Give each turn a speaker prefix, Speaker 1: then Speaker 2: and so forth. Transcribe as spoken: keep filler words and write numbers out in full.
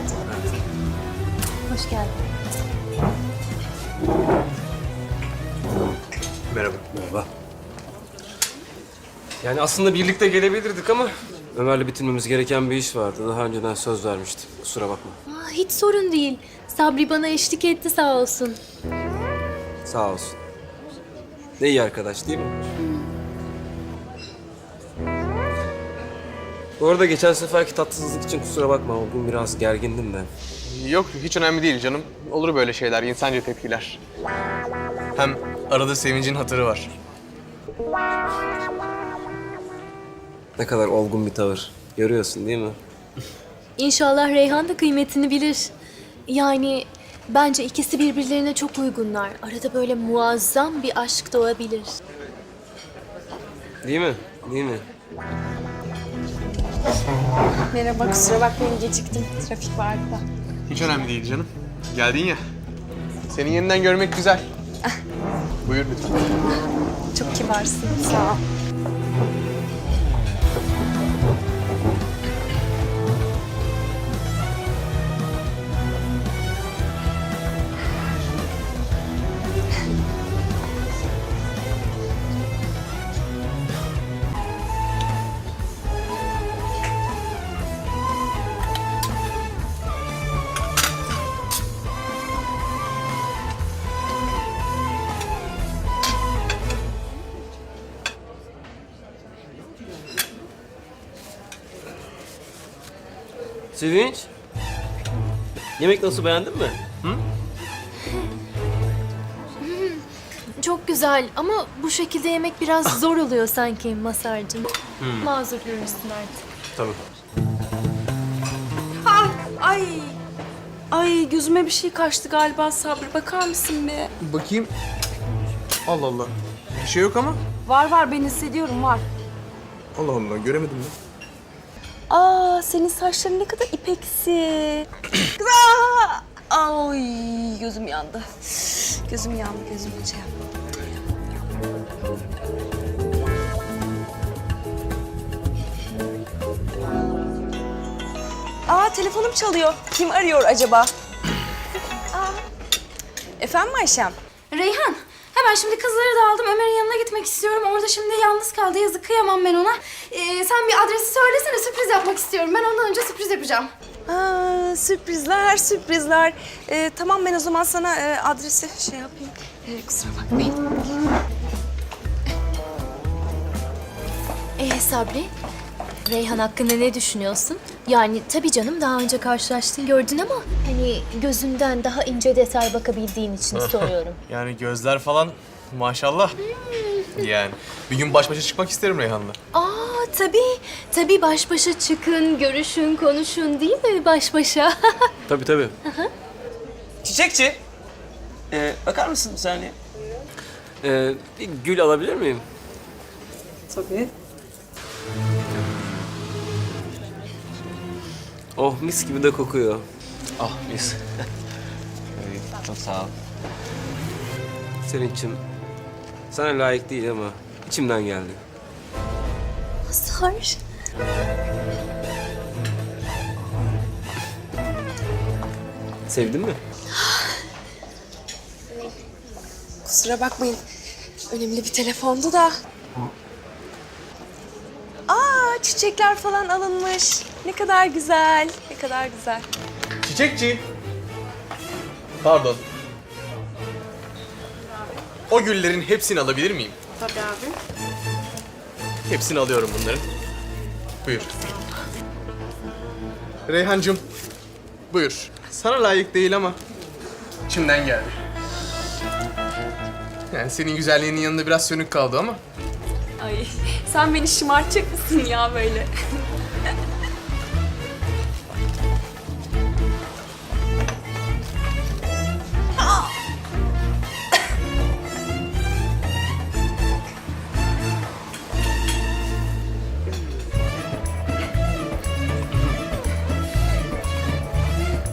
Speaker 1: Hoş geldin.
Speaker 2: Merhaba.
Speaker 3: Merhaba.
Speaker 2: Yani aslında birlikte gelebilirdik ama Ömer'le bitirmemiz gereken bir iş vardı. Daha önceden söz vermiştim. Kusura bakma.
Speaker 1: Aa, hiç sorun değil. Sabri bana eşlik etti sağ olsun.
Speaker 2: Sağ olsun. Ne iyi arkadaş değil mi? Bu arada geçen seferki tatsızlık için kusura bakma. O gün biraz gergindim de.
Speaker 4: Yok, hiç önemli değil canım. Olur böyle şeyler, insanca tepkiler. Hem arada sevincin hatırı var.
Speaker 2: Ne kadar olgun bir tavır. Görüyorsun değil mi?
Speaker 1: İnşallah Reyhan da kıymetini bilir. Yani bence ikisi birbirlerine çok uygunlar. Arada böyle muazzam bir aşk doğabilir.
Speaker 2: Değil mi? Değil mi?
Speaker 5: Merhaba, kusura bakmayın geciktim. Trafik vardı da.
Speaker 4: Hiç önemli değil canım. Geldin ya. Seni yeniden görmek güzel. Buyur lütfen.
Speaker 5: Çok kibarsın, sağ ol.
Speaker 2: Sevinç. Yemek nasıl, beğendin mi?
Speaker 1: Çok güzel ama bu şekilde yemek biraz zor oluyor sanki Masar'cığım. Mazur görürsün artık.
Speaker 2: Tabii.
Speaker 5: Ah, ay. Ay gözüme bir şey kaçtı galiba Sabri. Bakar mısın be?
Speaker 4: Bakayım. Allah Allah. Bir şey yok ama.
Speaker 5: Var var, ben hissediyorum, var.
Speaker 4: Allah Allah, göremedim mi?
Speaker 5: Aa, senin saçların ne kadar ipeksi. Aa! Ay, gözüm yandı. Gözüm yandı, gözüm şey yaptı. Aa, telefonum çalıyor. Kim arıyor acaba? Aa. Efendim Ayşem?
Speaker 6: Reyhan, hemen şimdi kızları da aldım. Ömer'in yanına gitmek istiyorum. Orada şimdi yalnız kaldı. Yazık, kıyamam ben ona. Ee, sen bir adresi söylesene, sürpriz yapmak istiyorum. Ben ondan önce sürpriz yapacağım.
Speaker 5: Aa, sürprizler, sürprizler. Ee, tamam, ben o zaman sana e, adresi şey yapayım. Ee, kusura bakmayın.
Speaker 1: Ee Sabri, Reyhan hakkında ne düşünüyorsun? Yani tabii canım daha önce karşılaştın gördün ama hani gözünden daha ince detay bakabildiğin için soruyorum.
Speaker 4: Yani gözler falan maşallah. Yani bir gün baş başa çıkmak isterim Reyhan'la.
Speaker 1: Aa tabii, tabii baş başa çıkın, görüşün, konuşun değil mi baş başa?
Speaker 2: Tabii tabii.
Speaker 3: Çiçekçi. Ee, bakar mısın bir saniye?
Speaker 2: Ee, bir gül alabilir miyim?
Speaker 5: Tabii.
Speaker 2: Oh, mis gibi de kokuyor.
Speaker 3: Ah mis. Evet, çok sağ ol.
Speaker 2: Sevinç'im, sana layık değil ama içimden geldi.
Speaker 1: Masar.
Speaker 2: Sevdin mi?
Speaker 5: Kusura bakmayın. Önemli bir telefondu da. Aa, çiçekler falan alınmış. Ne kadar güzel, ne kadar güzel.
Speaker 4: Çiçekçi. Pardon. O güllerin hepsini alabilir miyim?
Speaker 5: Tabii abi.
Speaker 4: Hepsini alıyorum bunların. Buyur. Reyhancığım, buyur. Sana layık değil ama içimden geldi. Yani senin güzelliğinin yanında biraz sönük kaldı ama.
Speaker 5: Ay, sen beni şımartacak mısın ya böyle?